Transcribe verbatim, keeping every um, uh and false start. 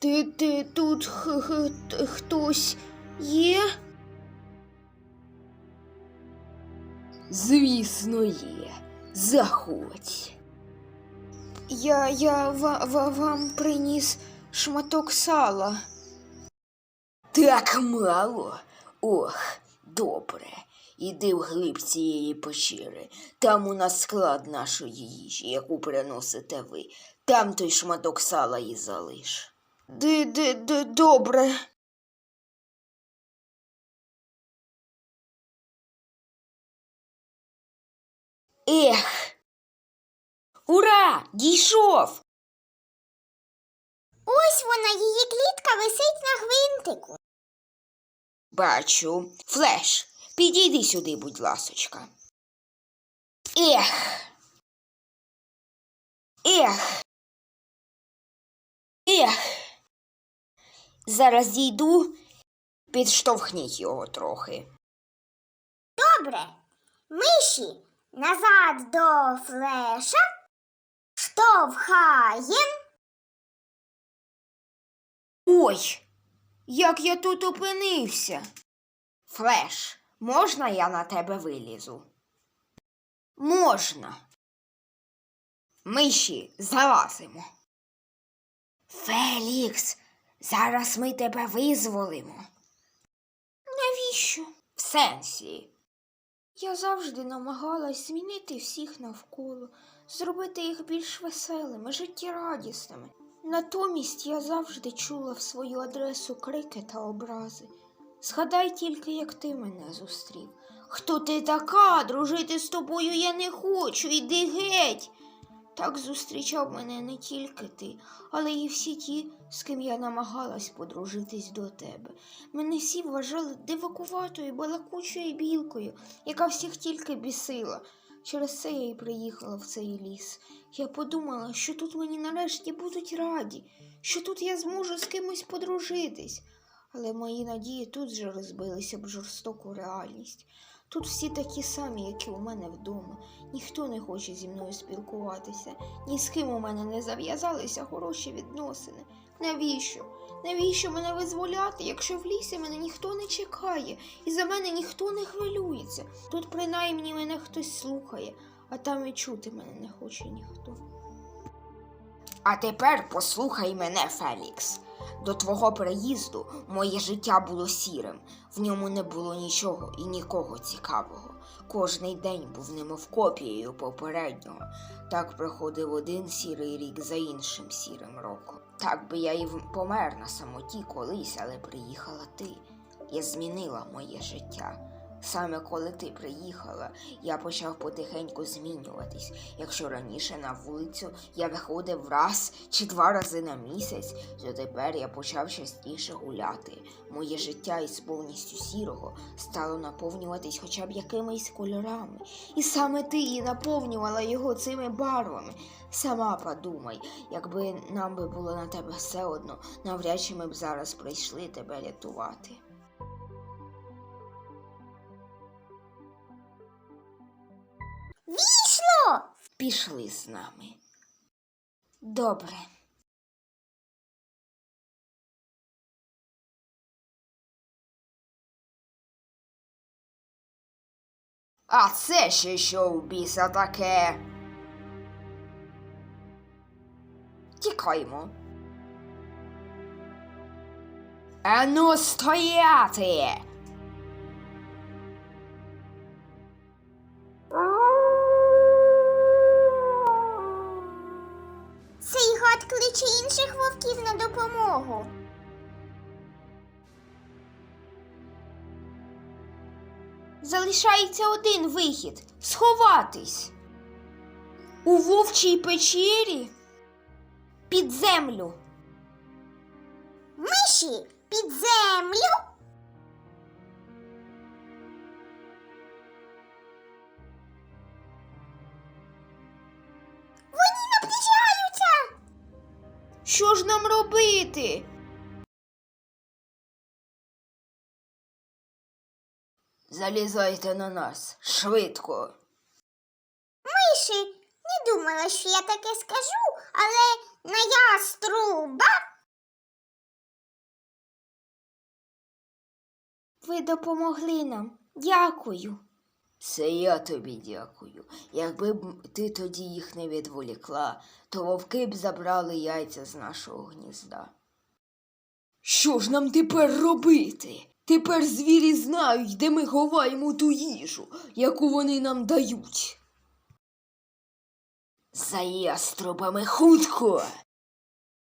Ти, ти тут х, х, т- хтось є? Звісно, є. Заходь. Я, я ва, ва, вам приніс шматок сала. Так мало? Ох, добре. Іди вглиб цієї печери. Там у нас склад нашої їжі, яку приносите ви. Там той шматок сала і залиш. Ди, ди, ди, добре. Ех! Ура! Дійшов! Ось вона, її клітка висить на гвинтику. Бачу. Флеш, підійди сюди, будь ласочка. Ех! Ех! Ех! Зараз дійду, підштовхніть його трохи. Добре. Миші назад до Флеша. Штовхаєм. Ой, як я тут опинився. Флеш, можна я на тебе вилізу? Можна. Миші, залазимо. Фелікс, зараз ми тебе визволимо. Навіщо? В сенсі. Я завжди намагалась змінити всіх навколо, зробити їх більш веселими, життєрадісними. Натомість я завжди чула в свою адресу крики та образи. Згадай тільки, як ти мене зустрів. Хто ти така? Дружити з тобою я не хочу, іди геть. Так зустрічав мене не тільки ти, але й всі ті, з ким я намагалась подружитись до тебе. Мене всі вважали дивакуватою, балакучою білкою, яка всіх тільки бісила. Через це я й приїхала в цей ліс. Я подумала, що тут мені нарешті будуть раді, що тут я зможу з кимось подружитись. Але мої надії тут же розбилися об жорстоку реальність. Тут всі такі самі, як і у мене вдома. Ніхто не хоче зі мною спілкуватися. Ні з ким у мене не зав'язалися хороші відносини. Навіщо? Навіщо мене визволяти, якщо в лісі мене ніхто не чекає і за мене ніхто не хвилюється? Тут принаймні мене хтось слухає, а там і чути мене не хоче ніхто. А тепер послухай мене, Фелікс. До твого приїзду моє життя було сірим. В ньому не було нічого і нікого цікавого. Кожний день був немов копією попереднього. Так проходив один сірий рік за іншим сірим роком. Так би я і помер на самоті колись, але приїхала ти. Я змінила моє життя. Саме коли ти приїхала, я почав потихеньку змінюватись. Якщо раніше на вулицю я виходив раз чи два рази на місяць, то тепер я почав частіше гуляти. Моє життя із повністю сірого стало наповнюватись хоча б якимись кольорами. І саме ти і наповнювала його цими барвами. Сама подумай, якби нам би було на тебе все одно, навряд чи ми б зараз прийшли тебе рятувати. Війшло! Пішли з нами. Добре. А це ще що в біса таке? Тікаймо. Ану стояти! Цей гад кличе інших вовків на допомогу. Залишається один вихід – сховатись. У вовчій печері під землю. Миші під землю. Вони наближаються. Що ж нам робити? Залізайте на нас, швидко. Миші, не думала, що я таке скажу, але на яструба Ви допомогли нам. Дякую. Це я тобі дякую. Якби б ти тоді їх не відволікла, то вовки б забрали яйця з нашого гнізда. Що ж нам тепер робити? Тепер звірі знають, де ми ховаємо ту їжу, яку вони нам дають. За яструбами хутко!